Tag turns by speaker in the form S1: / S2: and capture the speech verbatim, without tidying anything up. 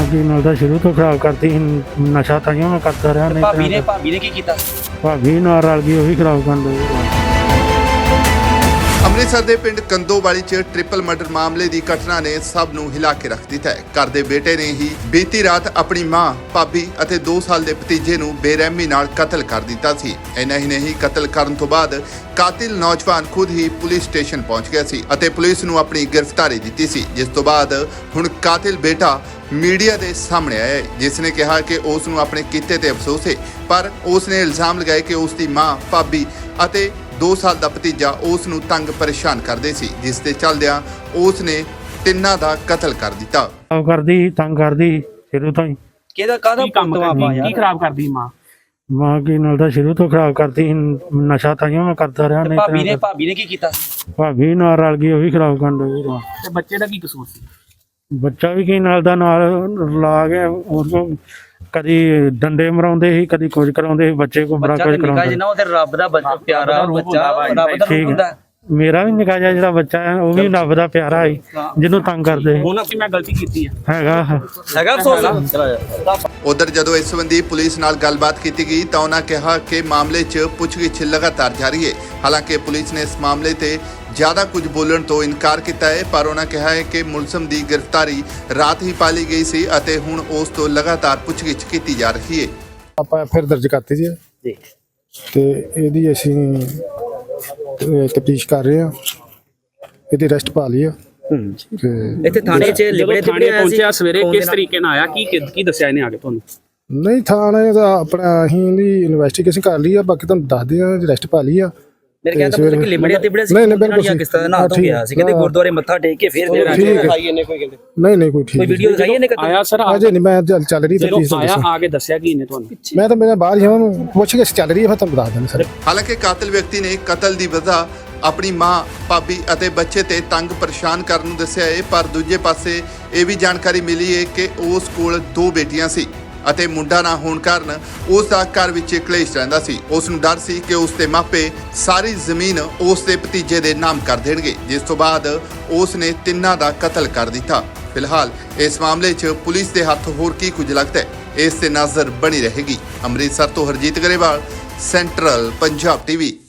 S1: ਕੀ ਨਾਲ ਦਾ ਸ਼ੁਰੂ ਤੋਂ ਖਰਾਬ ਕਰਦੀ ਸੀ, ਨਸ਼ਾ ਤਾਈਓ ਮੈਂ ਕਰਦਾ ਰਿਹਾ। ਨਹੀਂ
S2: ਭਾਬੀ ਨੇ ਭਾਬੀ ਨੇ ਕੀ ਕੀਤਾ?
S1: ਭਾਬੀ ਨਾਲ ਰਲ ਗਈ, ਉਹ ਵੀ ਖਰਾਬ ਕਰਨ ਲੱਗੀ।
S3: ਅੰਮ੍ਰਿਤਸਰ ਦੇ ਪਿੰਡ ਕੰਦੋਵਾਲੀ 'ਚ ਟ੍ਰਿਪਲ ਮਰਡਰ ਮਾਮਲੇ ਦੀ ਘਟਨਾ ਨੇ ਸਭ ਨੂੰ ਹਿਲਾ ਕੇ ਰੱਖ ਦਿੱਤਾ ਹੈ। ਘਰ ਦੇ ਬੇਟੇ ਨੇ ਹੀ ਬੀਤੀ ਰਾਤ ਆਪਣੀ ਮਾਂ, ਭਾਬੀ ਅਤੇ ਦੋ ਸਾਲ ਦੇ ਭਤੀਜੇ ਨੂੰ ਬੇਰਹਿਮੀ ਨਾਲ ਕਤਲ ਕਰ ਦਿੱਤਾ ਸੀ। ਇੰਨਾ ਹੀ ਨਹੀਂ, ਕਤਲ ਕਰਨ ਤੋਂ ਬਾਅਦ ਕਾਤਿਲ ਨੌਜਵਾਨ ਖੁਦ ਹੀ ਪੁਲਿਸ ਸਟੇਸ਼ਨ ਪਹੁੰਚ ਗਿਆ ਸੀ ਅਤੇ ਪੁਲਿਸ ਨੂੰ ਆਪਣੀ ਗ੍ਰਿਫਤਾਰੀ ਦਿੱਤੀ ਸੀ, ਜਿਸ ਤੋਂ ਬਾਅਦ ਹੁਣ ਕਾਤਿਲ ਬੇਟਾ ਮੀਡੀਆ ਦੇ ਸਾਹਮਣੇ ਆਇਆ ਹੈ, ਜਿਸ ਨੇ ਕਿਹਾ ਕਿ ਉਸ ਨੂੰ ਆਪਣੇ ਕੀਤੇ ਤੇ ਅਫਸੋਸ ਹੈ, ਪਰ ਉਸ ਨੇ ਇਲਜ਼ਾਮ ਲਗਾਏ ਕਿ ਉਸ ਦੀ ਮਾਂ, ਭਾਬੀ ਅਤੇ ਦੋ ਸਾਲ ਦਾ ਭਤੀਜਾ ਉਸ ਨੂੰ ਤੰਗ ਪਰੇਸ਼ਾਨ ਕਰਦੇ ਸੀ, ਜਿਸ ਦੇ ਚੱਲਦਿਆਂ ਉਸ ਨੇ ਤਿੰਨਾਂ ਦਾ ਕਤਲ ਕਰ ਦਿੱਤਾ।
S1: ਖਰਾਬ ਕਰਦੀ, ਤੰਗ ਕਰਦੀ ਸ਼ੁਰੂ ਤੋਂ ਹੀ।
S2: ਕਿਹਦਾ ਕਾਹਦਾ
S4: ਕੰਮ
S2: ਪੁੱਤ
S4: ਕਰਦੀ
S2: ਵਾ
S4: ਕੀ
S2: ਯਾਰ?
S4: ਖਰਾਬ ਕਰਦੀ ਮਾਂ?
S1: ਮਾਂ ਕੀ ਨਾਲ ਦਾ ਸ਼ੁਰੂ ਤੋਂ ਖਰਾਬ ਕਰਦੀ ਸੀ, ਨਸ਼ਾ ਤਾਈਓ ਮੈਂ ਕਰਦਾ ਰਿਹਾ। ਨਹੀਂ
S2: ਭਾਬੀ ਨੇ ਭਾਬੀ ਨੇ ਕੀ ਕੀਤਾ?
S1: ਭਾਬੀ ਨਾਲ ਰਲ ਗਈ, ਉਹ ਵੀ ਖਰਾਬ ਕਰਨ ਲੱਗੀ।
S4: ਤੇ ਬੱਚੇ ਦਾ ਕੀ ਕਸੂਰ ਸੀ?
S1: ਬੱਚਾ ਵੀ ਕੀ ਨਾਲ ਦਾ ਨਾਲ ਲਾ ਕੇ ਉਹ ਕਦੀ ਡੰਡੇ ਮਰਾਉਂਦੇ ਸੀ, ਕਦੀ ਕੁਝ ਕਰਾਉਂਦੇ ਸੀ। ਬੱਚੇ ਕੋ ਬੜਾ
S2: ਬੱਚਾ
S1: ਕੁਝ
S2: ਤੇ ਨਿਕਾ
S1: ਕਰਾਉਂਦੇ।
S2: ਜਿੰਨਾ ਉਹ ਤੇ ਰੱਬ ਦਾ ਬੱਚਾ, ਪਿਆਰਾ
S4: ਰੂਪ
S2: ਬੱਚਾ,
S4: ਹੁੰਦਾ ਵਾ,
S2: ਰੱਬ ਦਾ
S1: ਠੀਕ
S2: ਰੂਪ ਹੁੰਦਾ।
S1: ਹੈ। ਮੇਰਾ ਵੀ ਨਿੱਕਾ ਜਿਹਾ ਜਿਹੜਾ ਬੱਚਾ ਹੈ, ਉਹ ਵੀ ਰੱਬ ਦਾ ਪਿਆਰਾ ਹੈ, ਜਿਹਨੂੰ ਤੰਗ ਕਰਦੇ ਸੀ।
S4: ਹੁਣ ਅਸੀਂ ਮੈਂ ਗਲਤੀ ਕੀਤੀ ਹੈ
S1: ਹੈਗਾ
S2: ਹੈਗਾ ਅਫਸੋਸ।
S3: ਉਧਰ ਜਦੋਂ ਇਸ ਸੰਬੰਧੀ ਪੁਲਿਸ ਨਾਲ ਗੱਲਬਾਤ ਕੀਤੀ ਗਈ ਤਾਂ ਉਹਨਾਂ ਕਿਹਾ ਕਿ ਮਾਮਲੇ 'ਚ ਪੁੱਛਗਿੱਛ ਲਗਾਤਾਰ ਜਾਰੀ ਹੈ। ਹਾਲਾਂਕਿ ਪੁਲਿਸ ਨੇ ਇਸ ਮਾਮਲੇ ਤੇ ਜ਼ਿਆਦਾ ਕੁਝ ਬੋਲਣ ਤੋਂ ਇਨਕਾਰ ਕੀਤਾ ਹੈ, ਪਰ ਉਹਨਾਂ ਕਿਹਾ ਹੈ ਕਿ ਮੁਲਜ਼ਮ ਦੀ ਗ੍ਰਿਫਤਾਰੀ ਰਾਤ ਹੀ ਪਾ ਲਈ ਗਈ ਸੀ ਅਤੇ ਹੁਣ ਉਸ ਤੋਂ ਲਗਾਤਾਰ ਪੁੱਛਗਿੱਛ ਕੀਤੀ ਜਾ ਰਹੀ ਹੈ।
S5: ਆਪਾਂ ਫਿਰ ਦਰਜ ਕਰਤੀ ਜੀ
S2: ਜੀ
S5: ਤੇ ਇਹਦੀ ਅਸੀਂ ਤਫਤੀਸ਼ ਕਰ ਰਹੇ ਹਾਂ, ਇਹਦੀ ਅਰੈਸਟ ਪਾ ਲਈ ਆ। ਤੇ
S2: ਇੱਥੇ ਥਾਣੇ 'ਚ
S4: ਜਦੋਂ
S2: ਲਿਬੜੇ
S4: ਥਾਣੇ
S2: ਤਿਬੜੇ ਆਇਆ ਸੀ
S4: ਪਹੁੰਚਿਆ ਸਵੇਰੇ,
S2: ਫੋਨ
S4: ਕਿਸ
S2: ਦੇ ਨਾਲ।
S4: ਤਰੀਕੇ ਨਾਲ ਆਇਆ? ਕੀ ਕੀ ਦੱਸਿਆ ਇਹਨੇ ਆ ਕੇ ਤੁਹਾਨੂੰ?
S5: ਨਹੀਂ, ਥਾਣੇ ਦਾ ਆਪਣਾ ਅਸੀਂ ਇਹਦੀ ਇਨਵੈਸਟੀਗੇਸ਼ਨ ਕਰ ਲਈ ਆ, ਬਾਕੀ ਤੁਹਾਨੂੰ ਦੱਸਦੇ ਆ। ਅਰੈਸਟ ਪਾ ਲਈ ਆ।
S2: ਮੇਰੇ ਕਹਿੰਦਾ ਪੁੱਤ ਕਿ ਲਿਬੜੇ ਤਿਬੜੇ ਸੀ।
S5: ਨਹੀਂ ਨਹੀਂ ਬਿਲਕੁਲ
S2: ਕਿਸ ਤਰ੍ਹਾਂ ਨਾ ਤੋਂ ਗਿਆ ਸੀ, ਕਹਿੰਦੇ ਗੁਰਦੁਆਰੇ ਮੱਥਾ ਟੇਕ ਕੇ ਫਿਰ ਫਿਰ
S5: ਠੀਕ ਹੈ।
S2: ਆਈ ਇਹਨੇ ਕੋਈ ਕਹਿੰਦੇ
S5: ਨਹੀਂ ਨਹੀਂ ਕੋਈ ਠੀਕ
S2: ਕੋਈ ਵੀਡੀਓ ਦਿਖਾਈ ਇਹਨੇ ਕਦੇ?
S4: ਆਇਆ ਸਰ
S5: ਅਜੇ ਨਹੀਂ, ਮੈਂ ਚੱਲ ਚੱਲ ਰਹੀ
S4: ਜਦੋਂ
S5: ਤਫਤੀਸ਼
S4: ਆਇਆ ਆ ਕੇ ਦੱਸਿਆ ਕੀ ਇਹਨੇ ਤੁਹਾਨੂੰ?
S5: ਮੈਂ ਤਾਂ ਮੇਰਾ ਬਾਹਰ ਹੀ ਹਾਂ, ਉਹਨੂੰ ਪੁੱਛ ਕੇ ਚੱਲ ਰਹੀ ਹੈ, ਫਿਰ ਤੁਹਾਨੂੰ ਦੱਸ ਦਿੰਦੇ ਸਰ।
S3: ਹਾਲਾਂਕਿ ਕਾਤਿਲ ਵਿਅਕਤੀ ਨੇ ਕਤਲ ਦੀ ਵਜ੍ਹਾ ਆਪਣੀ ਮਾਂ, ਭਾਬੀ ਅਤੇ ਬੱਚੇ ਤੇ ਤੰਗ ਪਰੇਸ਼ਾਨ ਕਰਨ ਨੂੰ ਦੱਸਿਆ ਹੈ, ਪਰ ਦੂਜੇ ਪਾਸੇ ਇਹ ਵੀ ਜਾਣਕਾਰੀ ਮਿਲੀ ਹੈ ਕਿ ਉਸ ਕੋਲ ਦੋ ਬੇਟੀਆਂ ਸੀ ਅਤੇ ਮੁੰਡਾ ਨਾ ਹੋਣ ਕਾਰਨ ਉਸ ਦਾ ਘਰ ਵਿੱਚ ਕਲੇਸ਼ ਰਹਿੰਦਾ ਸੀ। ਉਸ ਨੂੰ ਡਰ ਸੀ ਕਿ ਉਸ ਦੇ ਮਾਪੇ ਸਾਰੀ ਜ਼ਮੀਨ ਉਸ ਦੇ ਭਤੀਜੇ ਦੇ ਨਾਮ ਕਰ ਦੇਣਗੇ, ਜਿਸ ਤੋਂ ਬਾਅਦ ਉਸ ਨੇ ਤਿੰਨਾਂ ਦਾ ਕਤਲ ਕਰ ਦਿੱਤਾ। ਫਿਲਹਾਲ ਇਸ ਮਾਮਲੇ 'ਚ ਪੁਲਿਸ ਦੇ ਹੱਥ ਹੋਰ ਕੀ ਕੁਝ ਲੱਗਦਾ ਹੈ, ਇਸ ਤੇ ਨਜ਼ਰ ਬਣੀ ਰਹੇਗੀ। ਅੰਮ੍ਰਿਤਸਰ ਤੋਂ ਹਰਜੀਤ ਗਰੇਵਾਲ, ਸੈਂਟਰਲ ਪੰਜਾਬ ਟੀਵੀ।